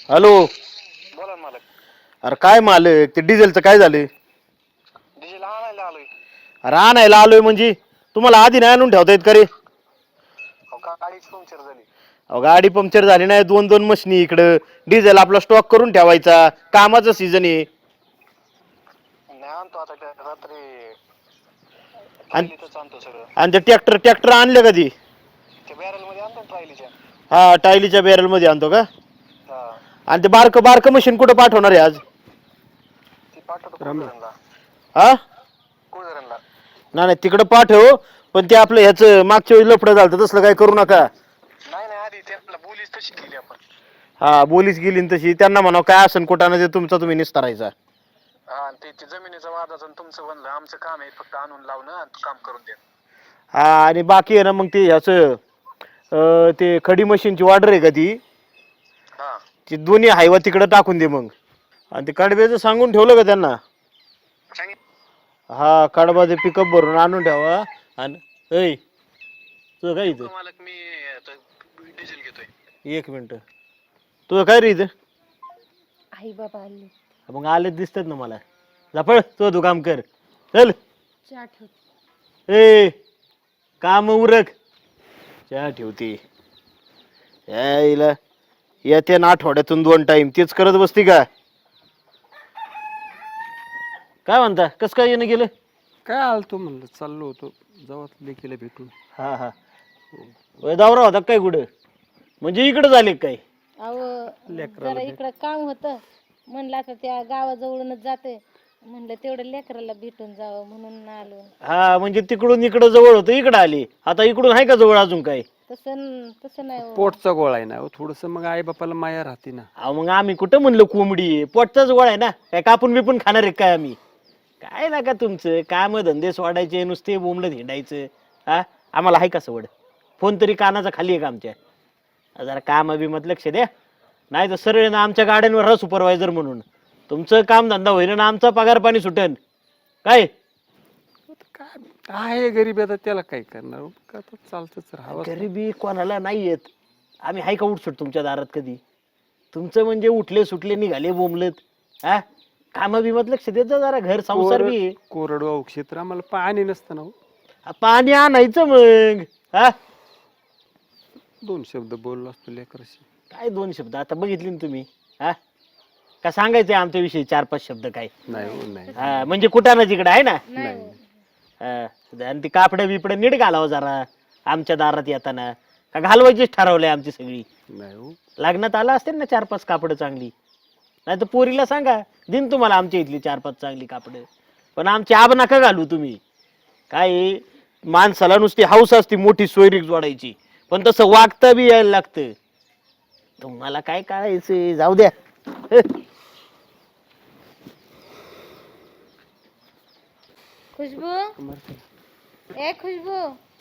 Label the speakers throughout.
Speaker 1: Hello.
Speaker 2: बोला ना मालक.
Speaker 1: अरे काय मालक, ते डिझेलचं काय झालं?
Speaker 2: डिझेल आणायला आलोय.
Speaker 1: अरे आणायला आलोय म्हणजे तुम्हाला आधी नाही आणून ठेवता येत का रे?
Speaker 2: अहो गाडीच पंक्चर झाली.
Speaker 1: अहो गाडी पंक्चर झाली नाही, दोन दोन मशनी इकडं. डिझेल आपला स्टॉक करून ठेवायचा, कामाचं सीझन आहे.
Speaker 2: नाही आणतो आता रात्री
Speaker 1: आणि
Speaker 2: ट्रायलीच आणतो सगळं.
Speaker 1: आणि ते ट्रॅक्टर आणले कधी?
Speaker 2: ते बॅरल मध्ये आणतो ट्रायलीच्या.
Speaker 1: हा, टायलीच्या बॅरल मध्ये आणतो का?
Speaker 2: हा.
Speaker 1: आणि ते बारकं मशीन कुठं पाठवणार आहे आज?
Speaker 2: ती पाठवतो कुळधरणला.
Speaker 1: हा,
Speaker 2: कुळधरणला.
Speaker 1: नाही तिकडं पाठव, पण ते आपलं ह्याचं मागच्या वेळी लफडं झालं तसलं काय करू नका.
Speaker 2: नाही नाही, आधी त्यांना बोलीच तशी केली आपण.
Speaker 1: हा, बोलीच गेली न तशी. त्यांना म्हणावं काय असन कुठानं ते तुमचा तुम्ही निस्तारायचा.
Speaker 2: हा, ते जमिनीचं वादाचं तुमचं बनलं. आमचं काम आहे फक्त आणून लावणं आणि काम करून देणं.
Speaker 1: हा, आणि बाकी आहे ना मग ते ह्याचं ते खडी मशीनची ऑर्डर आहे का ती?
Speaker 2: हा.
Speaker 1: ती दोन्ही हायवा तिकडं टाकून दे मग. आणि ते कडब्याचं सांगून ठेवलं का त्यांना? हा, कडबाचे पिकअप भरून आणून ठेवा. आणि ऐ तुझं काय इथं?
Speaker 2: मालक मी डिझेल घेतोय.
Speaker 1: एक मिनिट. तुझं काय रे इथं?
Speaker 3: आई बाबा आले.
Speaker 1: मग आले दिसतात ना मला. जापळ तू काम कर. चल.
Speaker 3: चहा ठेव.
Speaker 1: ए, काम उरक. चहा ठेवते. यायला येते ना आठवड्यातून 2 टाइम तेच करत बसती का? काय म्हणता, कस काय येणं गेलं?
Speaker 4: काय आलतो म्हणलं, चाललो होतो जाऊ लेकीला भेटून.
Speaker 1: हा हा, दौरा होता काय कुठं? म्हणजे इकडे झाले काय?
Speaker 3: अहो जरा इकडं काम होतं, म्हणलं आता त्या गावाजवळूनच जाते, म्हणलं तेवढं लेकराला भेटून जावं म्हणून आलो.
Speaker 1: हा, म्हणजे तिकडून इकडं जवळ होतं, इकडं आली. आता इकडून आहे का जवळ अजून काय?
Speaker 3: तसं नाही हो.
Speaker 4: पोटचा गोळा आहे ना थोडस, मग आई बापाला माया राहते ना.
Speaker 1: मग आम्ही कुठं म्हणलं कोंबडी आहे, पोटचाच गोळा आहे ना. काय कापून बिपून खाणार आहे काय आम्ही? काय ना का तुमचं काम धंदे सोडायचे, नुसते बोंबलं हिंडायचं. हा, आम्हाला आहे का सवड? फोन तरी कानाचा खाली आहे का आमच्या? जरा काम बिमत लक्ष द्या, नाही तर सरळ ना आमच्या गाड्यांवर राहा सुपरवायझर म्हणून. तुमचं काम धंदा होईन ना आमचा पगार पाणी सुटेन काय?
Speaker 4: काय आहे गरीब, आता त्याला काय करणार, आता चालतच राहावं.
Speaker 1: गरिबी कोणाला नाही येत. आम्ही हाय का उठसूट तुमच्या दारात कधी? तुमचं म्हणजे उठले सुटले निघाले बोंबलत. हा, काम बिमत लक्ष देत जा जरा, घर संसार बी आहे.
Speaker 4: कोरडवाहू क्षेत्र, आम्हाला पाणी नसतं ना हो.
Speaker 1: पाणी आणायचं मग. हा,
Speaker 4: 2 शब्द बोललो असतो लेकराशी.
Speaker 1: काय 2 शब्द आता बघितले ना तुम्ही? हा, का सांगायचंय आमच्याविषयी 4-5 शब्द काय?
Speaker 4: नाही हो, नाही.
Speaker 1: हा, म्हणजे कुठं ना तिकडं आहे ना.
Speaker 3: नाही हो.
Speaker 1: आणि ती कापडं बिपडं नीट घालावं जरा आमच्या दारात येताना. का घालवायचीच ठरवलंय आमची सगळी?
Speaker 4: नाही हो.
Speaker 1: लग्नात आला असते ना 4-5 कापडं चांगली. नाही तर पोरीला सांगा, दिन तुम्हाला आमच्या इथली 4-5 चांगली कापडं. पण आमची आब नका घालू तुम्ही. काय माणसाला नुसती हौस असती मोठी सोयरीक जोडायची, पण तसं वागता बी यायला लागतं. तुम्हाला काय कळायचं, जाऊ द्या.
Speaker 3: खुशबू, ए खुशबू,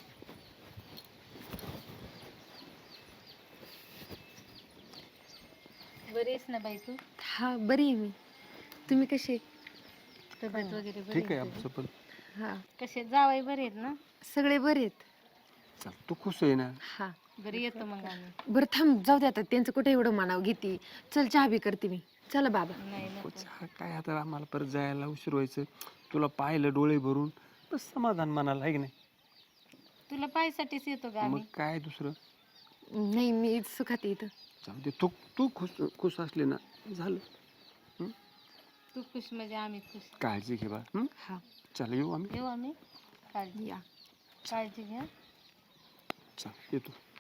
Speaker 3: बरी आहेस ना बाई तू?
Speaker 5: हा, बरी आहे मी. तुम्ही कसे?
Speaker 3: तब्येत वगैरे बरी
Speaker 4: ठीक आहे आमचं पण.
Speaker 5: हा,
Speaker 3: कसे जावाई बरे आहेत ना?
Speaker 5: सगळे बरे आहेत.
Speaker 4: चल, तू खुश आहे ना?
Speaker 5: हा,
Speaker 3: बरी येतो मग आम्ही.
Speaker 5: बरं थांब, जाऊ दे आता, त्यांचं कुठे एवढं मानाव घेते. चल चहा बी करते मी. चला बाबा.
Speaker 3: नाही नको.
Speaker 4: काय आता आम्हाला परत जायला उशीर व्हायचं. तुला पाहिलं डोळे भरून, बस समाधान मनाला, आहे की नाही?
Speaker 3: तुला पायसाठीच येतो का
Speaker 4: मग
Speaker 3: आम्ही?
Speaker 4: काय दुसरं?
Speaker 5: नाही, मी सुखात इथं.
Speaker 4: जाऊ दे, तू तू खुश असले ना झालं.
Speaker 3: तू खुश म्हणजे आम्ही खुश.
Speaker 4: काळजी घे बा.
Speaker 5: हा,
Speaker 4: चल, येऊ आम्ही.
Speaker 3: येऊ आम्ही. काळजी
Speaker 5: या.
Speaker 3: काळजी घ्या.
Speaker 4: चल, येतो.